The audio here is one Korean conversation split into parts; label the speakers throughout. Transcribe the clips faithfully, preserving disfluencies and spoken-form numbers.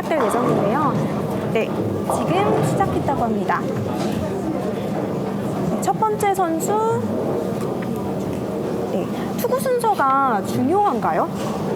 Speaker 1: 시작될 예정인데요. 네, 지금 시작했다고 합니다. 네, 첫 번째 선수, 네, 투구 순서가 중요한가요?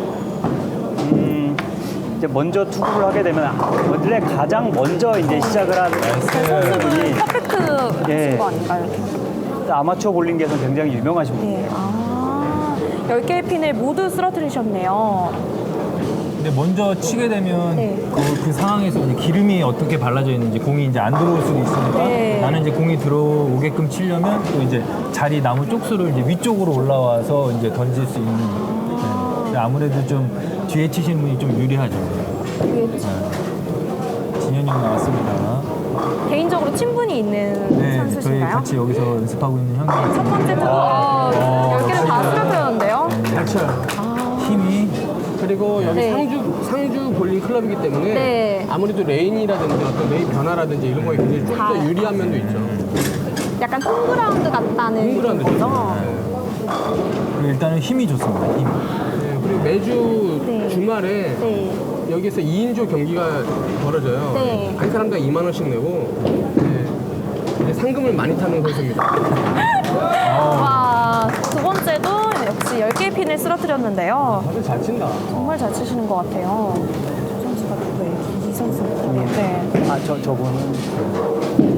Speaker 2: 음, 이제 먼저 투구를 하게 되면 원래 가장 먼저 이제 시작을 하는
Speaker 1: 그 선수분이
Speaker 2: 분이
Speaker 1: 퍼펙트
Speaker 2: 예.
Speaker 1: 거 아닌가요?
Speaker 2: 아마추어 볼링계에서 굉장히 유명하신 분.
Speaker 1: 네, 아, 열 개의 핀을 모두 쓰러뜨리셨네요.
Speaker 3: 근데 먼저 치게 되면
Speaker 1: 네.
Speaker 3: 그, 그 상황에서 이제 기름이 어떻게 발라져 있는지 공이 이제 안 들어올 수도 있으니까
Speaker 1: 네.
Speaker 3: 나는 이제 공이 들어오게끔 치려면 또 이제 자리 나무 쪽수를 이제 위쪽으로 올라와서 이제 던질 수 있는. 네. 아무래도 좀 뒤에 치시는 분이 좀 유리하죠.
Speaker 1: 네.
Speaker 3: 진현이 형 나왔습니다.
Speaker 1: 개인적으로 친분이 있는
Speaker 3: 네, 저희
Speaker 1: 선수신가요?
Speaker 3: 같이 여기서 연습하고 있는 형님.
Speaker 1: 첫 번째 투구, 아, 열 개를 다 쓰러뜨렸는데요.
Speaker 4: 잘 쳐요.
Speaker 3: 힘이
Speaker 4: 그리고 여기
Speaker 1: 네.
Speaker 4: 상주 상주 볼링 클럽이기 때문에
Speaker 1: 네.
Speaker 4: 아무래도 레인이라든지 어떤 레인 변화라든지 이런 거에 굉장히 좀 더
Speaker 1: 잘.
Speaker 4: 유리한 면도 있죠.
Speaker 1: 약간 홈그라운드 같다는
Speaker 4: 홈그라운드
Speaker 1: 거죠?
Speaker 3: 그리고 일단은 힘이 좋습니다. 힘.
Speaker 4: 네, 그리고 매주
Speaker 1: 네.
Speaker 4: 주말에
Speaker 1: 네.
Speaker 4: 여기서 이 인조 경기가 벌어져요.
Speaker 1: 네.
Speaker 4: 한 사람당 이만 원씩 내고 네. 네, 상금을 많이 타는 선수입니다.
Speaker 1: 와, 두 번째도 역시 열 개의 핀을 쓰러뜨렸는데요.
Speaker 4: 다들 잘 친다.
Speaker 1: 정말 잘 치시는 것 같아요. 저 선수가 누구예요? 이 선수. 네.
Speaker 2: 아, 저, 저분은.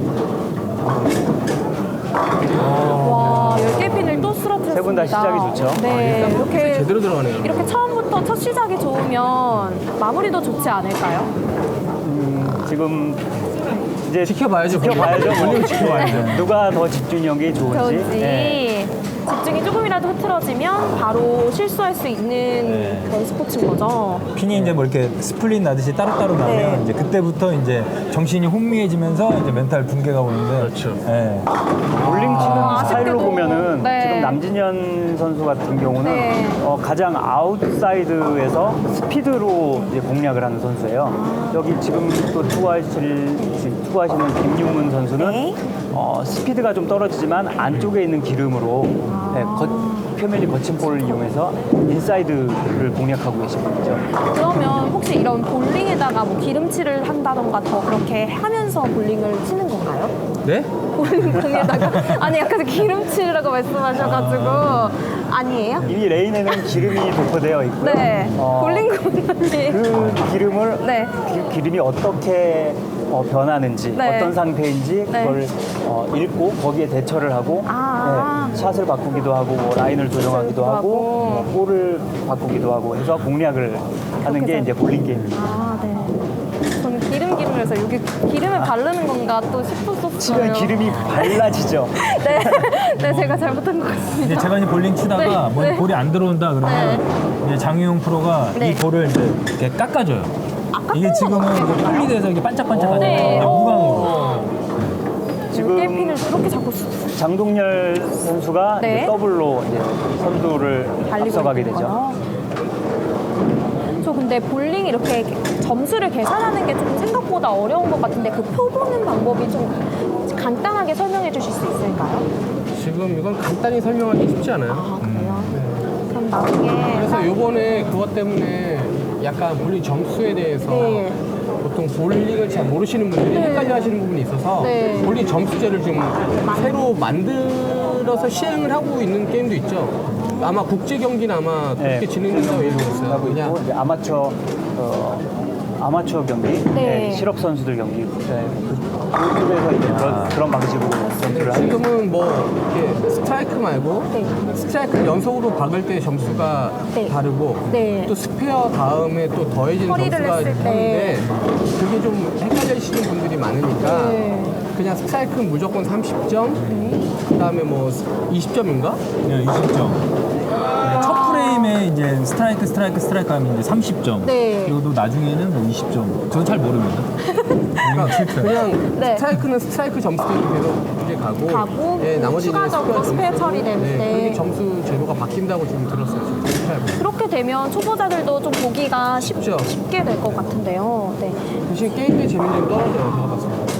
Speaker 1: 와, 열 개의 핀을 또 쓰러뜨렸습니다.
Speaker 2: 세분다 시작이 좋죠.
Speaker 1: 네. 이렇게,
Speaker 4: 제대로 들어가네요.
Speaker 1: 이렇게 처음부터 첫 시작이 좋으면 마무리도 좋지 않을까요?
Speaker 2: 음, 지금 이제
Speaker 4: 지켜봐야죠.
Speaker 2: 지켜봐야죠. 뭐.
Speaker 4: 볼링 지켜봐야죠.
Speaker 2: 누가 더 집중력이 좋은지.
Speaker 1: 좋은지.
Speaker 2: 네.
Speaker 1: 집중이 조금이라도 흐트러지면 바로 실수할 수 있는
Speaker 3: 네.
Speaker 1: 그런 스포츠인 거죠.
Speaker 3: 핀이 이제 뭐 이렇게 스플릿 나듯이 따로따로 나면
Speaker 1: 네.
Speaker 3: 이제 그때부터 이제 정신이 혼미해지면서 이제 멘탈 붕괴가 오는데.
Speaker 4: 그렇죠.
Speaker 3: 예.
Speaker 2: 볼링 치는
Speaker 1: 아,
Speaker 2: 스타일로
Speaker 1: 아쉽게도.
Speaker 2: 보면은
Speaker 1: 네.
Speaker 2: 지금 남진현 선수 같은 경우는
Speaker 1: 네.
Speaker 2: 어, 가장 아웃사이드에서 스피드로 이제 공략을 하는 선수예요. 여기 지금 또 투구하실, 지금 투구하시는 김유문 선수는
Speaker 1: 네.
Speaker 2: 어, 스피드가 좀 떨어지지만 안쪽에 있는 기름으로 네, 거, 표면이 거친 볼을 이용해서 인사이드를 공략하고 계신 분이죠.
Speaker 1: 그러면 혹시 이런 볼링에다가 뭐 기름칠을 한다던가 더 그렇게 하면서 볼링을 치는 건가요?
Speaker 4: 네?
Speaker 1: 볼링 공에다가 아니 약간 기름칠이라고 말씀하셔가지고 아니에요?
Speaker 2: 이미 레인에는 기름이 도포되어 있고요.
Speaker 1: 네.
Speaker 2: 어,
Speaker 1: 볼링 공이
Speaker 2: 그 기름을
Speaker 1: 네.
Speaker 2: 그 기름이 어떻게 어, 변하는지
Speaker 1: 네.
Speaker 2: 어떤 상태인지
Speaker 1: 네.
Speaker 2: 그걸 어, 읽고 거기에 대처를 하고
Speaker 1: 아.
Speaker 2: 네, 샷을 바꾸기도 하고 뭐 라인을 조정하기도 하고
Speaker 1: 하고.
Speaker 2: 뭐 볼을 바꾸기도 하고 해서 공략을 하는 게
Speaker 1: 그렇게
Speaker 2: 이제 볼링 게임입니다.
Speaker 1: 아, 네. 저는 기름 기름해서 여기 기름을 바르는 건가 또 싶었었어요.
Speaker 2: 치면 기름이 발라지죠.
Speaker 1: 네, 네 제가 잘못한 것 같습니다.
Speaker 3: 이제 제가 이제 볼링 치다가
Speaker 1: 네,
Speaker 3: 뭐
Speaker 1: 네.
Speaker 3: 볼이 안 들어온다 그러면 이제 장유용 프로가
Speaker 1: 네.
Speaker 3: 이 볼을 이제 이렇게 깎아줘요.
Speaker 1: 깎는
Speaker 3: 이게
Speaker 1: 건
Speaker 3: 지금은
Speaker 1: 어떻게
Speaker 3: 이제
Speaker 1: 깎아요?
Speaker 3: 풀리돼서 이게 반짝반짝하잖아요.
Speaker 1: 네.
Speaker 3: 그냥 무광으로.
Speaker 2: 지금
Speaker 1: 열개 핀을 그렇게 잡고 쓰-
Speaker 2: 장동열 선수가
Speaker 1: 네.
Speaker 2: 이제 더블로 이제 선두를
Speaker 1: 달리고
Speaker 2: 앞서가게
Speaker 1: 있는
Speaker 2: 되죠.
Speaker 1: 거요? 저 근데 볼링 이렇게 점수를 계산하는 게 좀 생각보다 어려운 것 같은데 그 표 보는 방법이 좀 간단하게 설명해 주실 수 있을까요?
Speaker 4: 지금 이건 간단히 설명하기 쉽지 않아요.
Speaker 1: 아 그래요? 그럼 나중에
Speaker 4: 그래서 요번에 그것 때문에 약간 볼링 점수에 대해서
Speaker 1: 네.
Speaker 4: 보통 볼링을 잘 모르시는 분들이
Speaker 1: 네.
Speaker 4: 헷갈려 하시는 부분이 있어서
Speaker 1: 네.
Speaker 4: 볼링 점수제를 지금 새로 만들어서 시행을 하고 있는 게임도 있죠. 아마 국제 경기는 아마 그렇게
Speaker 2: 네.
Speaker 4: 진행된다고 얘기했어요.
Speaker 2: 하고 있고
Speaker 4: 그냥
Speaker 2: 이제 아마추어 어, 아마추어 경기,
Speaker 1: 네.
Speaker 2: 네, 실업 선수들 경기, 네, 그, 그쪽에서 이제 그런, 그런 방식으로 점수를 하는.
Speaker 4: 지금은 뭐 이렇게 스트라이크 말고
Speaker 1: 네.
Speaker 4: 스트라이크 연속으로 박을 때 점수가
Speaker 1: 네.
Speaker 4: 다르고
Speaker 1: 네.
Speaker 4: 또 스페어 다음에 또 더해지는
Speaker 1: 허리를
Speaker 4: 점수가
Speaker 1: 했을
Speaker 4: 있는데
Speaker 1: 때.
Speaker 4: 그게 좀 헷갈리시는 분들이 많으니까
Speaker 1: 네.
Speaker 4: 그냥 스트라이크는 무조건 삼십 점 그다음에 뭐 이십 점인가?
Speaker 3: 네, 이십 점. 첫 프레임에 이제 스트라이크 스트라이크 스트라이크 하면 이제 삼십 점.
Speaker 1: 네.
Speaker 3: 그리고 또 나중에는 뭐 이십 점. 저는 잘 모릅니다.
Speaker 4: 그러니까 그냥
Speaker 1: 네.
Speaker 4: 스트라이크는 스트라이크 점수대로 계속 이제 가고,
Speaker 1: 가고,
Speaker 4: 예, 나머지는
Speaker 1: 추가적으로 스페어
Speaker 4: 점수대로,
Speaker 1: 처리될
Speaker 4: 네,
Speaker 1: 때.
Speaker 4: 그렇게 점수 제도가 바뀐다고 지금 들었어요. 지금 스트라이크.
Speaker 1: 그렇게 되면 초보자들도 좀 보기가 쉽,
Speaker 4: 쉽죠.
Speaker 1: 쉽게 될 것 같은데요. 네.
Speaker 4: 대신 게임의 재미는 좀 떨어져요. 제가 봤을 때.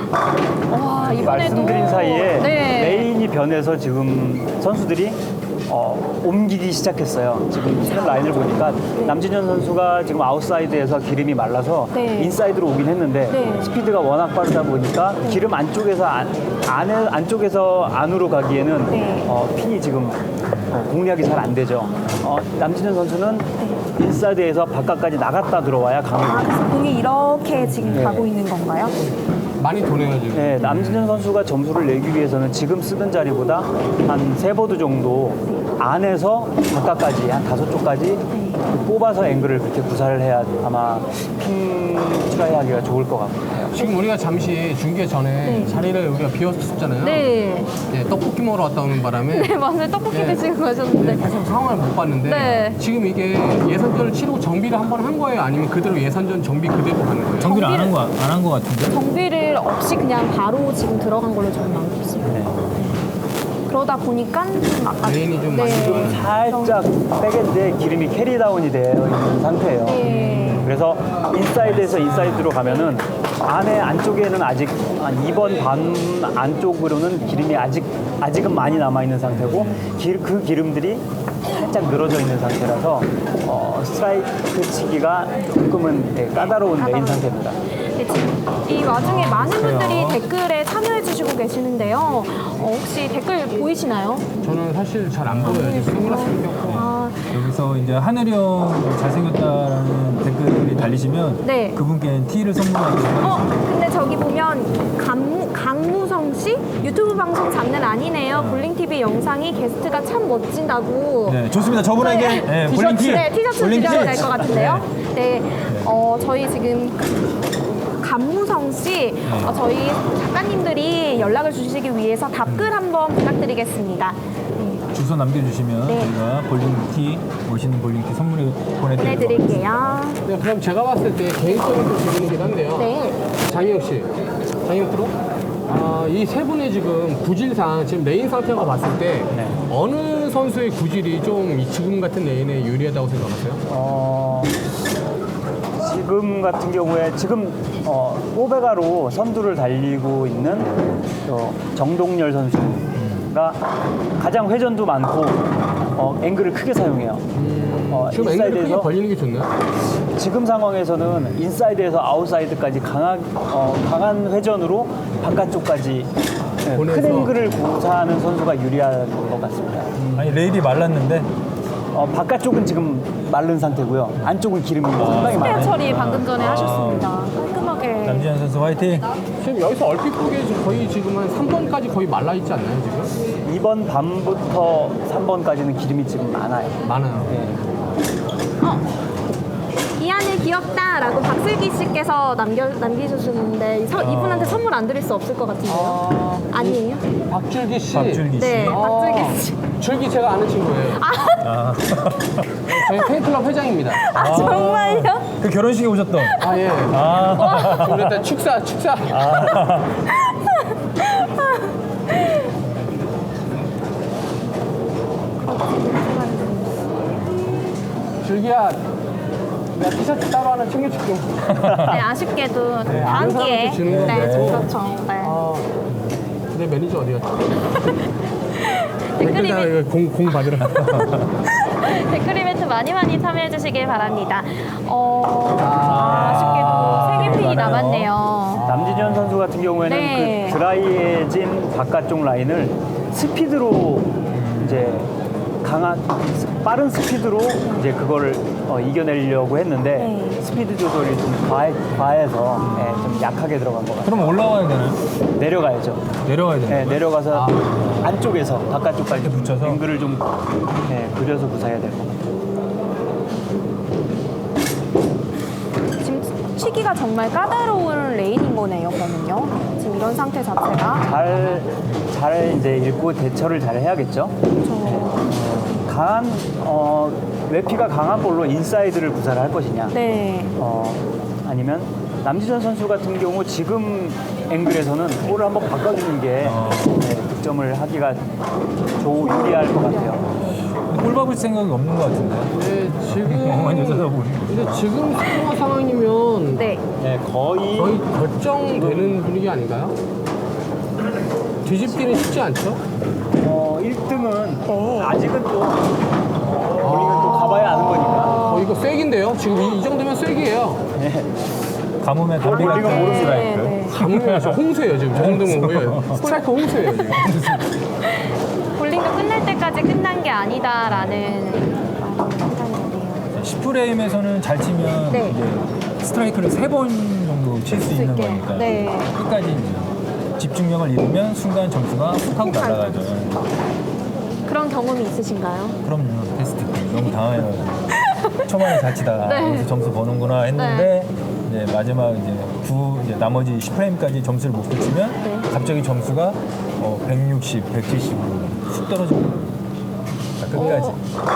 Speaker 1: 와 이번에도
Speaker 2: 말씀드린 사이에
Speaker 1: 네.
Speaker 2: 레인이 변해서 지금 선수들이 어, 옮기기 시작했어요. 지금 최근 라인을 보니까 남진현 선수가 지금 아웃사이드에서 기름이 말라서
Speaker 1: 네.
Speaker 2: 인사이드로 오긴 했는데
Speaker 1: 네.
Speaker 2: 스피드가 워낙 빠르다 보니까 기름 안쪽에서 안, 안에, 안쪽에서 안으로 가기에는
Speaker 1: 네.
Speaker 2: 어, 핀이 지금 어, 공략이 잘 안 되죠. 어, 남진현 선수는 인사이드에서 바깥까지 나갔다 들어와야
Speaker 1: 아,
Speaker 2: 강해요.
Speaker 1: 그래서 공이 이렇게 지금
Speaker 2: 네.
Speaker 1: 가고 있는 건가요?
Speaker 4: 많이 도네요 지금.
Speaker 2: 네, 남진현 선수가 점수를 내기 위해서는 지금 쓰던 자리보다 한 세 보드 정도 안에서 바깥까지 한 다섯 쪽까지 뽑아서 앵글을 그렇게 구사를 해야 아마 핀 트라이하기가 좋을 것 같아요.
Speaker 4: 지금 우리가 잠시 중계 전에
Speaker 1: 네.
Speaker 4: 자리를 우리가 비웠었잖아요.
Speaker 1: 네.
Speaker 4: 네, 떡볶이 먹으러 갔다 오는 바람에
Speaker 1: 네, 맞아요. 떡볶이
Speaker 4: 네.
Speaker 1: 드시고
Speaker 4: 네,
Speaker 1: 가셨는데.
Speaker 4: 계속 상황을 못 봤는데
Speaker 1: 네.
Speaker 4: 지금 이게 예선전을 치르고 정비를 한 번 한 거예요? 아니면 그대로 예선전 정비 그대로 가는 거예요?
Speaker 3: 정비를 안 한
Speaker 1: 정비를-
Speaker 3: 거 안 한 거 같은데.
Speaker 1: 정비를 없이 그냥 바로 지금 들어간 걸로 저는 알고 있어요.
Speaker 2: 네.
Speaker 1: 그러다 보니까 좀 아까
Speaker 4: 레인이 좀
Speaker 1: 네.
Speaker 4: 많이 들어가는
Speaker 2: 살짝 백엔드에 기름이 캐리다운이 되어 있는 상태예요.
Speaker 1: 네.
Speaker 2: 그래서 인사이드에서 인사이드로 가면은 안에 안쪽에는 아직 한 이 번 반 안쪽으로는 기름이 아직 아직은 많이 남아 있는 상태고 기- 그 기름들이 살짝 늘어져 있는 상태라서 어, 스트라이크 치기가 조금은 네, 까다로운 레인 상태입니다.
Speaker 1: 네, 지금 이 와중에 많은 분들이 댓글에 참여해 주시고 계시는데요. 어, 혹시 댓글 보이시나요?
Speaker 4: 저는 사실 잘 안 보여요. 지금 선글라스를 꼈고.
Speaker 1: 아,
Speaker 3: 여기서 이제 하늘이 형 잘생겼다라는 댓글이 달리시면
Speaker 1: 네.
Speaker 3: 그분께 티를 선물하도록
Speaker 1: 어,
Speaker 3: 하겠습니다.
Speaker 1: 근데 저기 보면 강무, 강무성 씨 유튜브 방송 장난 아니네요. 볼링티비 영상이 게스트가 참 멋진다고.
Speaker 3: 네, 좋습니다. 저분에게
Speaker 1: 네.
Speaker 3: 네,
Speaker 1: 티셔츠,
Speaker 3: 볼링티,
Speaker 1: 네, 티셔츠
Speaker 3: 볼링티.
Speaker 1: 드려야 될 것 같은데요.
Speaker 3: 네.
Speaker 1: 네, 어, 저희 지금 감무성 씨, 어, 저희 작가님들이 연락을 주시기 위해서 답글 한번 부탁드리겠습니다. 네,
Speaker 3: 주소 남겨주시면
Speaker 1: 네.
Speaker 3: 저희가 볼링티, 멋있는 볼링티 선물을 보내드릴게요.
Speaker 1: 보내드릴게요.
Speaker 4: 네, 그럼 제가 봤을 때 개인적인 질문이긴 한데요.
Speaker 1: 네.
Speaker 4: 장희영 씨, 장희영 프로? 아, 이 세 분의 지금 구질상 지금 레인 상태가 봤을 때
Speaker 2: 네.
Speaker 4: 어느 선수의 구질이 좀 이 지금 같은 레인에 유리하다고 생각하세요?
Speaker 2: 어, 지금 같은 경우에 지금 어, 오베가로 선두를 달리고 있는 어, 정동열 선수가 가장 회전도 많고 어, 앵글을 크게 사용해요. 어,
Speaker 4: 지금 앵글이 크게
Speaker 2: 인사이드에서
Speaker 4: 벌리는 게 좋나요?
Speaker 2: 지금 상황에서는 인사이드에서 아웃사이드까지 강한, 어, 강한 회전으로 바깥쪽까지 네,
Speaker 4: 보내서.
Speaker 2: 큰 앵글을 구사하는 선수가 유리할 것 같습니다.
Speaker 3: 아니 레일이 말랐는데
Speaker 2: 어, 바깥쪽은 지금 마른 상태고요. 안쪽은 기름이 상당히
Speaker 1: 스페어
Speaker 2: 많아요.
Speaker 1: 처리 방금 전에 하셨습니다. 깔끔하게.
Speaker 3: 남지현 선수 화이팅!
Speaker 4: 지금 여기서 얼핏 보기에 지금 거의 지금 한 삼 번까지 거의 말라있지 않나요, 지금?
Speaker 2: 이 번 반부터 삼 번까지는 기름이 지금 많아요.
Speaker 4: 많아요.
Speaker 2: 네.
Speaker 1: 어, 이 안에 귀엽다라고 박슬기 씨께서 남겨, 남기셨는데 이 서- 이분한테 선물 안 드릴 수 없을 것 같은데요? 아니에요?
Speaker 4: 박줄기 씨.
Speaker 3: 박줄기 씨.
Speaker 1: 네,
Speaker 4: 아,
Speaker 1: 박슬기 씨.
Speaker 4: 줄기 제가 아는 친구예요.
Speaker 3: 아,
Speaker 4: 저희 팬클럽 회장입니다.
Speaker 1: 아, 정말요?
Speaker 3: 그 결혼식에 오셨던.
Speaker 4: 아, 예.
Speaker 3: 아,
Speaker 4: 우리 일단 축사, 축사. 줄기야, 내가 티셔츠 따로 하나 챙겨줄게.
Speaker 1: 네, 아쉽게도
Speaker 4: 네,
Speaker 1: 다음
Speaker 4: 아는
Speaker 1: 기회에.
Speaker 4: 사람한테 주는
Speaker 1: 네,
Speaker 4: 건데.
Speaker 1: 그렇죠. 네.
Speaker 4: 아, 내 매니저 어디 갔지?
Speaker 1: 댓글
Speaker 4: 댓글다
Speaker 1: 이벤트,
Speaker 4: 이거 공, 공 받으러.
Speaker 1: 댓글 이벤트 많이 많이 참여해 주시길 바랍니다. 어,
Speaker 4: 아,
Speaker 1: 아쉽게도 세 개 핀이
Speaker 3: 많아요.
Speaker 1: 남았네요.
Speaker 2: 남진현 선수 같은 경우에는
Speaker 1: 네.
Speaker 2: 그 드라이해진 바깥쪽 라인을 스피드로 이제 강한 빠른 스피드로 이제 그거를 어, 이겨내려고 했는데
Speaker 1: 네.
Speaker 2: 스피드 조절이 좀 과해, 과해서 예, 좀 약하게 들어간 것 같아요.
Speaker 3: 그럼 올라와야 되나요?
Speaker 2: 내려가야죠.
Speaker 3: 내려가야 되나요?
Speaker 2: 네, 내려가서 안쪽에서 바깥쪽까지
Speaker 3: 이렇게 붙여서?
Speaker 2: 앵글을 좀 네, 그려서 구사해야 될 것 같아요.
Speaker 1: 지금 치기가 정말 까다로운 레인인 거네요, 그러면요. 지금 이런 상태 자체가.
Speaker 2: 잘, 잘 이제 읽고 대처를 잘 해야겠죠. 강한 어, 외피가 강한 볼로 인사이드를 구사를 할 것이냐.
Speaker 1: 네.
Speaker 2: 어, 아니면 남지전 선수 같은 경우 지금 앵글에서는 볼을 한번 바꿔주는 게 네, 득점을 하기가 좋 유리할 것 같아요.
Speaker 3: 볼 박을 생각이 없는 것 같은데.
Speaker 4: 네, 지금.
Speaker 3: 멍하니 쳐다보는
Speaker 4: 근데 지금 스코어 상황이면
Speaker 1: 네.
Speaker 2: 네, 거의
Speaker 4: 거의 결정되는 분위기 아닌가요? 뒤집기는 쉽지 않죠?
Speaker 2: 어, 일 등은 아직은 또 볼링은 또 가봐야 아는 거니까.
Speaker 4: 어, 이거 쐐기인데요? 지금 이, 이 정도면 쐐기예요.
Speaker 3: 가뭄에 돌리가
Speaker 2: 볼링은 모르는
Speaker 3: 스트라이크.
Speaker 1: 네.
Speaker 4: 가문이 저 홍수예요, 지금. 저 정도면 뭐예요? 스트라이크 홍수예요, 지금.
Speaker 1: 볼링도 끝날 때까지 끝난 게 아니다라는 말을 한다는데요.
Speaker 3: 십 프레임에서는 잘 치면
Speaker 1: 네.
Speaker 3: 이제 스트라이크를 세 번 정도 칠 수 있는
Speaker 1: 있게.
Speaker 3: 거니까
Speaker 1: 네.
Speaker 3: 끝까지 이제 집중력을 잃으면 순간 점수가 훅 하고 날아가죠.
Speaker 1: 그런 경험이 있으신가요?
Speaker 3: 그럼요. 테스트 때 너무 당황해가지고 초반에 잘 치다가
Speaker 1: 네.
Speaker 3: 여기서 점수 버는구나 했는데 이제 마지막 이제 구 이제 나머지 십 프레임까지 점수를 못 붙이면
Speaker 1: 네.
Speaker 3: 갑자기 점수가 어, 백육십, 백칠십으로 쑥 떨어지고 끝까지.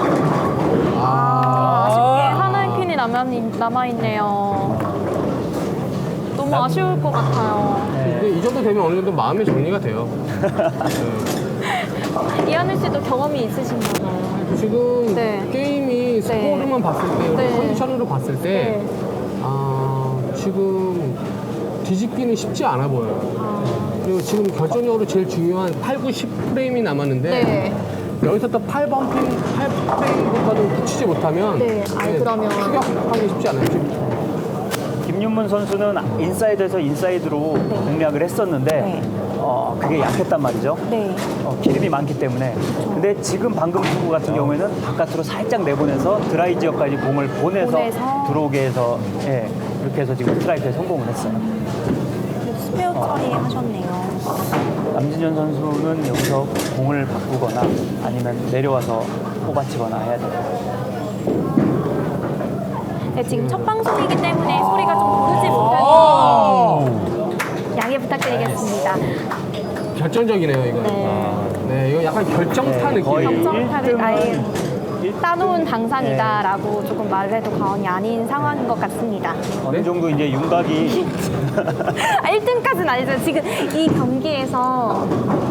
Speaker 1: 아, 아쉽게 하나의 핀이 남아, 남아있네요. 너무 아쉬울 것 같아요.
Speaker 4: 근데 이 정도 되면 어느 정도 마음의 정리가 돼요.
Speaker 1: 이하늘 씨도 경험이 있으신가 봐요.
Speaker 4: 지금
Speaker 1: 네.
Speaker 4: 게임이 스코어로만 봤을 때,
Speaker 1: 네.
Speaker 4: 컨디션으로 봤을 때,
Speaker 1: 네.
Speaker 4: 아, 지금 뒤집기는 쉽지 않아 보여요. 그리고 지금 결정적으로 제일 중요한 팔, 구, 십 프레임이 남았는데,
Speaker 1: 네.
Speaker 4: 여기서 또 팔 번 핀, 팔 프레임부터는 붙이지 못하면,
Speaker 1: 네, 아니, 그러면-
Speaker 4: 추격하기 쉽지 않아요. 지금.
Speaker 2: 김윤문 선수는 인사이드에서 인사이드로 공략을 했었는데
Speaker 1: 네.
Speaker 2: 어, 그게 약했단 말이죠.
Speaker 1: 네.
Speaker 2: 어, 기름이 많기 때문에. 근데 지금 방금 투구 같은 경우에는 바깥으로 살짝 내보내서 드라이 지역까지 공을 보내서,
Speaker 1: 보내서.
Speaker 2: 들어오게 해서 예, 이렇게 해서 지금 스트라이크에 성공을 했어요.
Speaker 1: 스페어 처리하셨네요.
Speaker 2: 남진현 선수는 여기서 공을 바꾸거나 아니면 내려와서 뽑아치거나 해야 돼요.
Speaker 1: 네, 지금 첫 방송이기 때문에 소리가 좀 고르지 못해서 양해 부탁드리겠습니다.
Speaker 4: 결정적이네요, 이거.
Speaker 1: 네.
Speaker 4: 네, 이거 약간 결정타
Speaker 2: 네, 거의
Speaker 4: 느낌이에요.
Speaker 1: 결정타를 아예
Speaker 2: 일 등은
Speaker 1: 따놓은 당상이다라고 조금 말해도 과언이 아닌 상황인 것 같습니다.
Speaker 2: 어느 정도 이제 윤곽이
Speaker 1: 아, 일 등까지는 아니죠. 지금 이 경기에서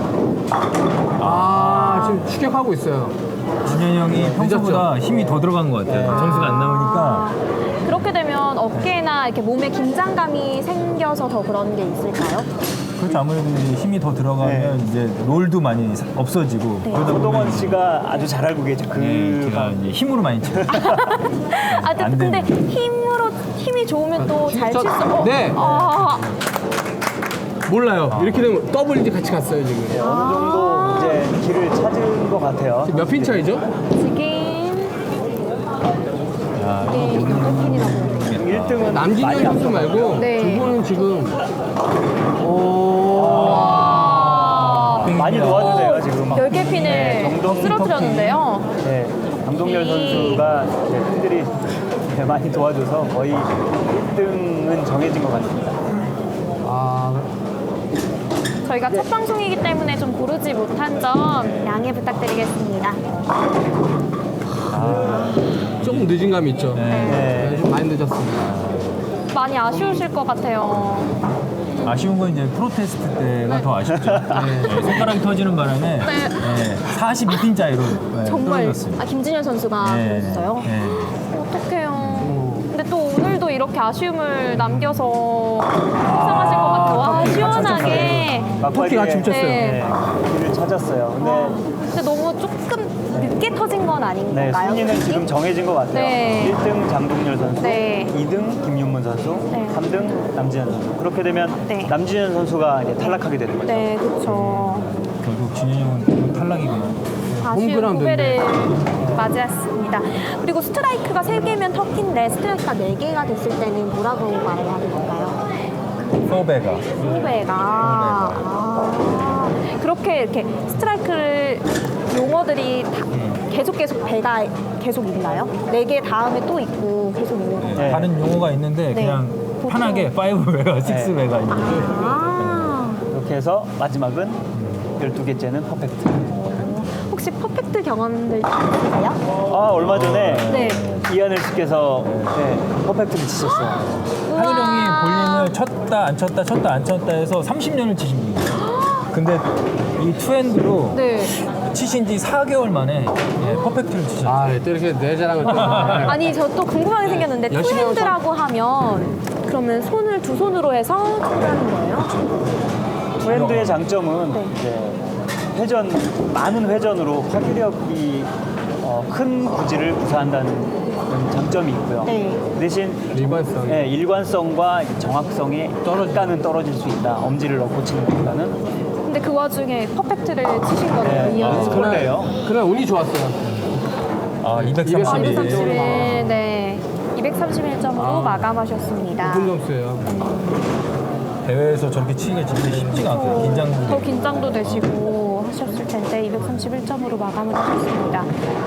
Speaker 4: 아, 지금 추격하고 있어요.
Speaker 3: 진현이 형이 평소보다 힘이 더 들어간 것 같아요. 점수가 안 나오니까.
Speaker 1: 그렇게 되면 어깨나 이렇게 몸에 긴장감이 생겨서 더 그런 게 있을까요?
Speaker 3: 그렇죠. 아무래도 이제 힘이 더 들어가면 이제 롤도 많이 사- 없어지고
Speaker 1: 네.
Speaker 3: 그러다
Speaker 2: 소동원
Speaker 3: 보면
Speaker 2: 씨가 아주 잘 알고 계죠. 그
Speaker 3: 네, 제가 이제 힘으로 많이 쳐요.
Speaker 1: 아, 근데,
Speaker 3: 안
Speaker 1: 근데
Speaker 3: 되는.
Speaker 1: 힘으로 힘이 좋으면 또 잘 칠 수. 어,
Speaker 4: 네.
Speaker 1: 아,
Speaker 4: 몰라요. 이렇게 되면 더블 이제 같이 갔어요, 지금.
Speaker 2: 네, 어느 정도 이제 길을 찾은 것 같아요.
Speaker 4: 지금 몇 핀 차이죠?
Speaker 1: 지금
Speaker 3: 야,
Speaker 1: 이게 몇 핀이라고 해야 되나?
Speaker 2: 일 등은
Speaker 4: 남진현 선수 말고
Speaker 1: 네.
Speaker 4: 두 분은 지금
Speaker 2: 많이 도와주세요 지금.
Speaker 1: 열 개 핀을
Speaker 2: 네, 정동
Speaker 1: 쓰러뜨렸는데요.
Speaker 2: 네, 강동열
Speaker 1: 이-
Speaker 2: 선수가 네, 팬들이 네, 많이 도와줘서 거의 일 등은 정해진 것 같습니다.
Speaker 4: 아,
Speaker 1: 저희가 첫 방송이기 때문에 좀 고르지 못한 점 양해 부탁드리겠습니다.
Speaker 4: 조금 늦은 감이 있죠.
Speaker 3: 네.
Speaker 4: 네,
Speaker 2: 네.
Speaker 4: 좀 많이 늦었습니다.
Speaker 1: 많이 아쉬우실 것 같아요.
Speaker 3: 아쉬운 건 이제 프로테스트 때가 더 아쉽죠. 네, 손가락이 터지는 바람에 네, 사십이 핀 차이로 네,
Speaker 1: 정말
Speaker 3: 떨어졌어요.
Speaker 1: 아, 김진현 선수가
Speaker 3: 네,
Speaker 1: 그랬어요.
Speaker 3: 네.
Speaker 1: 어떡해요. 근데 또 오늘도 이렇게 아쉬움을 남겨서 속상하실 것 같아요. 와, 시원하게.
Speaker 4: 토끼가 같이 훔쳤어요.
Speaker 1: 네.
Speaker 2: 네, 길을 찾았어요. 근데
Speaker 1: 근데 너무 조금 늦게 터진 건 아닌
Speaker 2: 네,
Speaker 1: 건가요?
Speaker 2: 순위는
Speaker 1: 솔직히?
Speaker 2: 지금 정해진 것 같아요.
Speaker 1: 네.
Speaker 2: 일 등 장동열 선수,
Speaker 1: 네.
Speaker 2: 이 등 김윤문 선수,
Speaker 1: 네.
Speaker 2: 삼 등 남진현 선수. 그렇게 되면
Speaker 1: 네.
Speaker 2: 남진현 선수가 이제 탈락하게 되는 거죠.
Speaker 1: 네, 그렇죠.
Speaker 3: 결국 진현이 형은 탈락이군요.
Speaker 1: 아쉬운
Speaker 4: 홈그라운드인데.
Speaker 1: 후배를 맞이했습니다. 그리고 스트라이크가 세 개면 터키인데 스트라이크가 네 개가 됐을 때는 뭐라고 말해야 될까요?
Speaker 3: 포베가.
Speaker 1: 후배가 아, 그렇게 이렇게 스트라이크를 용어들이 다 계속 계속 배가 계속 있나요? 네 개 다음에 또 있고 계속 있는
Speaker 3: 네,
Speaker 1: 건가요?
Speaker 2: 네.
Speaker 3: 다른 용어가 있는데
Speaker 1: 네.
Speaker 3: 그냥
Speaker 1: 보통-
Speaker 3: 편하게 파이브 베가, 식스
Speaker 2: 네.
Speaker 3: 베가 있는 거죠.
Speaker 1: 아,
Speaker 2: 이렇게 해서 마지막은 열두 개째는 퍼펙트.
Speaker 1: 혹시 퍼펙트 경험들 있으세요?
Speaker 2: 아, 얼마 전에
Speaker 1: 네.
Speaker 2: 이하늘 씨께서 네, 퍼펙트를 치셨어요.
Speaker 3: 하늘 형이
Speaker 1: 우와.
Speaker 3: 볼링을 쳤다 안 쳤다 쳤다 안 쳤다 해서 삼십 년을 치신 분이에요. 근데 이 투핸드로
Speaker 1: 네.
Speaker 3: 치신 지 사 개월 만에 예, 퍼펙트를 치셨어요.
Speaker 4: 아, 또 이렇게 내 자랑을 또.
Speaker 1: 아니 저 또 궁금한 게 생겼는데
Speaker 4: 열심히
Speaker 1: 투핸드라고 하면 그러면 손을 두 손으로 해서 투하는 거예요?
Speaker 3: 두
Speaker 2: 프렌드의 장점은
Speaker 1: 네.
Speaker 2: 이제 회전 많은 회전으로 파괴력이 어, 큰 구질을 구사한다는 그런 장점이 있고요.
Speaker 1: 네.
Speaker 2: 대신
Speaker 4: 일관성.
Speaker 2: 네, 일관성과 정확성이 떨어지는 떨어질 수 있다. 엄지를 넣고 치는 것보다는.
Speaker 1: 근데 그 와중에 퍼펙트를 치신 거네요.
Speaker 2: 네.
Speaker 1: 이
Speaker 2: 아,
Speaker 1: 연습.
Speaker 2: 그날- 그래요?
Speaker 4: 그날 운이 좋았어요.
Speaker 3: 아,
Speaker 1: 아,
Speaker 3: 이백삼십일.
Speaker 1: 이백삼십일, 네. 이백삼십일 점으로
Speaker 4: 아.
Speaker 1: 마감하셨습니다.
Speaker 4: 높은 점수예요.
Speaker 3: 대회에서 저렇게 치기가 진짜 쉽지가 않아요. 긴장도
Speaker 1: 더
Speaker 3: 되고.
Speaker 1: 긴장도 되시고 하셨을 텐데 이백삼십일 점으로 마감을 하셨습니다.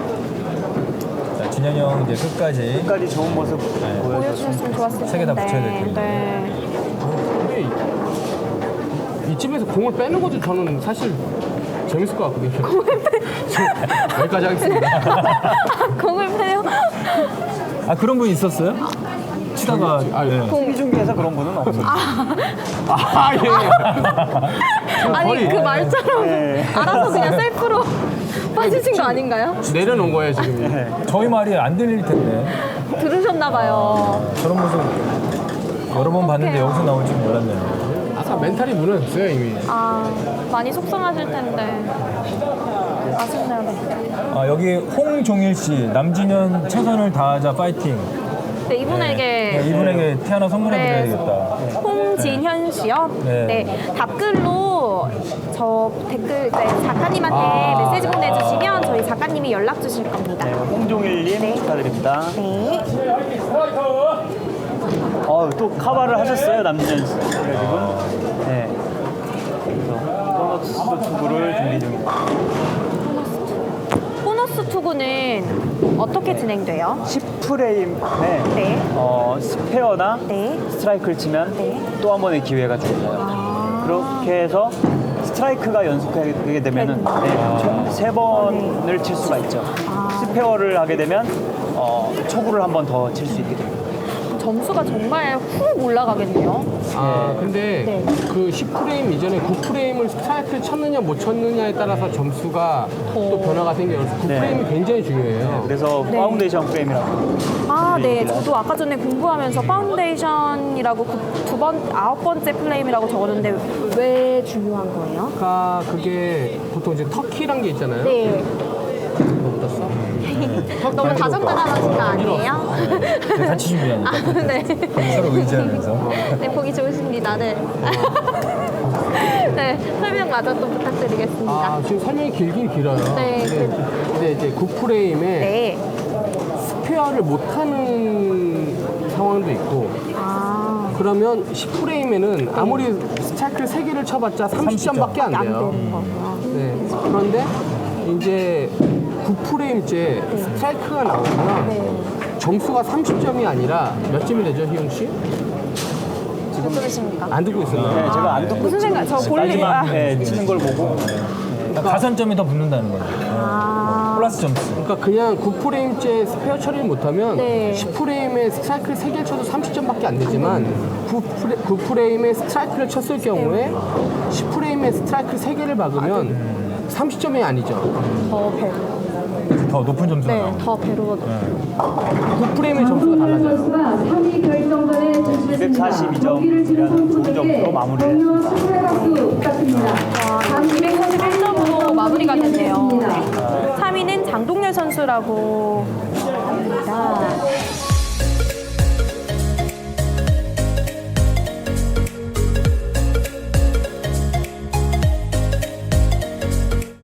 Speaker 3: 자, 진현이 형 이제 끝까지
Speaker 2: 끝까지 좋은 모습
Speaker 3: 네.
Speaker 2: 보여줬으면
Speaker 1: 보여주셨으면 좋았을 텐데.
Speaker 3: 세개다 붙여야 될 텐데.
Speaker 1: 네.
Speaker 4: 근데 이- 이쯤에서 공을 빼는 것도 저는 사실 재밌을 것 같거든요. 여기까지 하겠습니다.
Speaker 1: 공을 빼요?
Speaker 3: 아 그런 분 있었어요? 치다가
Speaker 4: 아,
Speaker 3: 네.
Speaker 2: 수비 중계에서 그런 분은 없었어요.
Speaker 4: 아, 예.
Speaker 1: 아니
Speaker 4: 거의-
Speaker 1: 그 말처럼
Speaker 2: 네.
Speaker 1: 알아서 그냥 셀프로 빠지신 거 아닌가요?
Speaker 4: 내려놓은 거예요, 지금.
Speaker 2: 네.
Speaker 3: 저희 말이 안 들릴 텐데
Speaker 1: 들으셨나 봐요.
Speaker 3: 저런 모습 여러 번 봤는데
Speaker 1: 어떡해요.
Speaker 3: 여기서 나올 줄 몰랐네요.
Speaker 4: 아까 멘탈이 무너졌어요, 이미.
Speaker 1: 아 많이 속상하실 텐데 아쉽네요. 네.
Speaker 3: 아 여기 홍종일 씨 남진현 최선을 다하자 파이팅.
Speaker 1: 네 이분에게
Speaker 3: 네, 이분에게 태어나 선물해
Speaker 1: 네.
Speaker 3: 드려야겠다.
Speaker 1: 홍진현 씨요.
Speaker 3: 네.
Speaker 1: 네. 답글로 저 댓글 네, 작가님한테
Speaker 4: 아.
Speaker 1: 메시지 보내주시면 저희 작가님이 연락 주실 겁니다.
Speaker 2: 네, 홍종일님
Speaker 1: 네.
Speaker 2: 축하드립니다.
Speaker 1: 네.
Speaker 2: 어, 또 카바를 하셨어요, 남진현 씨분. 네. 그래서 보너스 투구를 준비 중입니다.
Speaker 1: 보너스 투구는 어떻게 진행돼요?
Speaker 2: 십 프레임에
Speaker 1: 네.
Speaker 2: 어, 스페어나
Speaker 1: 네.
Speaker 2: 스트라이크를 치면
Speaker 1: 네.
Speaker 2: 또 한 번의 기회가 주어져요.
Speaker 1: 아.
Speaker 2: 그렇게 해서 스트라이크가 연속하게 되면은 네, 총 세 번을 칠 수가 있죠.
Speaker 1: 아.
Speaker 2: 스페어를 하게 되면 어, 초구를 한 번 더 칠 수 있게 됩니다.
Speaker 1: 점수가 정말 훅 올라가겠네요.
Speaker 4: 아, 근데
Speaker 1: 네.
Speaker 4: 그 십 프레임 이전에 구 프레임을 스트라이크를 쳤느냐 못 쳤느냐에 따라서 점수가 또 변화가 생겨요. 구
Speaker 2: 네.
Speaker 4: 프레임이 굉장히 중요해요.
Speaker 2: 그래서
Speaker 1: 네.
Speaker 2: 파운데이션 프레임이라고.
Speaker 1: 아, 네. 저도 아까 전에 공부하면서 파운데이션이라고 그 두 번, 아홉 번째 플레임이라고 적었는데 왜 중요한 거예요?
Speaker 4: 그러니까 그게 보통 이제 터키란 게 있잖아요.
Speaker 1: 네.
Speaker 4: 뭐 묻었어?
Speaker 1: 너무 다정다감하신 거 아니에요?
Speaker 3: 제가 같이 준비하니까
Speaker 1: 네.
Speaker 3: 서로 의지하면서.
Speaker 1: 네, 보기 좋으십니다. 네. 네, 설명 마저 또 부탁드리겠습니다.
Speaker 4: 아, 지금 설명이 길긴 길어요.
Speaker 1: 네,
Speaker 4: 근데, 근데 이제 구 프레임에
Speaker 1: 네.
Speaker 4: 스페어를 못하는 상황도 있고,
Speaker 1: 아,
Speaker 4: 그러면 십 프레임에는 아무리 스트라이크를 세 개를 쳐봤자 삼십 점밖에 안
Speaker 1: 안
Speaker 4: 돼요.
Speaker 1: 되는 거구나.
Speaker 4: 네. 그런데 이제 구 프레임째 스트라이크가 나오면
Speaker 1: 네.
Speaker 4: 점수가 삼십 점이 아니라 몇 점이 되죠, 희용 씨?
Speaker 1: 무슨 소리십니까?
Speaker 4: 안 듣고 있었나요?
Speaker 2: 네, 제가 안 듣고
Speaker 1: 무슨 생각? 저 볼링.
Speaker 2: 마지막
Speaker 1: 아.
Speaker 2: 네, 치는 걸 보고
Speaker 3: 그러니까 가산점이 더 붙는다는 거죠.
Speaker 1: 아.
Speaker 3: 플러스 점수.
Speaker 4: 그러니까 그냥 구 프레임째 스페어 처리를 못하면
Speaker 1: 네.
Speaker 4: 십 프레임에 스트라이크를 세 개를 쳐도 삼십 점밖에 안 되지만 구, 프레, 구 프레임에 스트라이크를 쳤을 경우에 십 프레임에 스트라이크를 세 개를 박으면 삼십 점이 아니죠.
Speaker 1: 더 배로.
Speaker 3: 더 높은 점수가
Speaker 1: 네,
Speaker 3: 나옵니다.
Speaker 1: 더 배로.
Speaker 4: 구 프레임의 점수가 달라져요.
Speaker 5: 삼 위 결정전에 진출했습니다.
Speaker 2: 이백사십이 점
Speaker 5: 경기를 치르는
Speaker 2: 좋은
Speaker 5: 선수들에게
Speaker 2: 점수로 마무리를
Speaker 5: 격려 축하의 박수 부탁드립니다.
Speaker 1: 와, 이백사십일 점으로 마무리가 됐네요.
Speaker 5: 있습니다.
Speaker 1: 삼 위는 장동열 선수라고 합니다.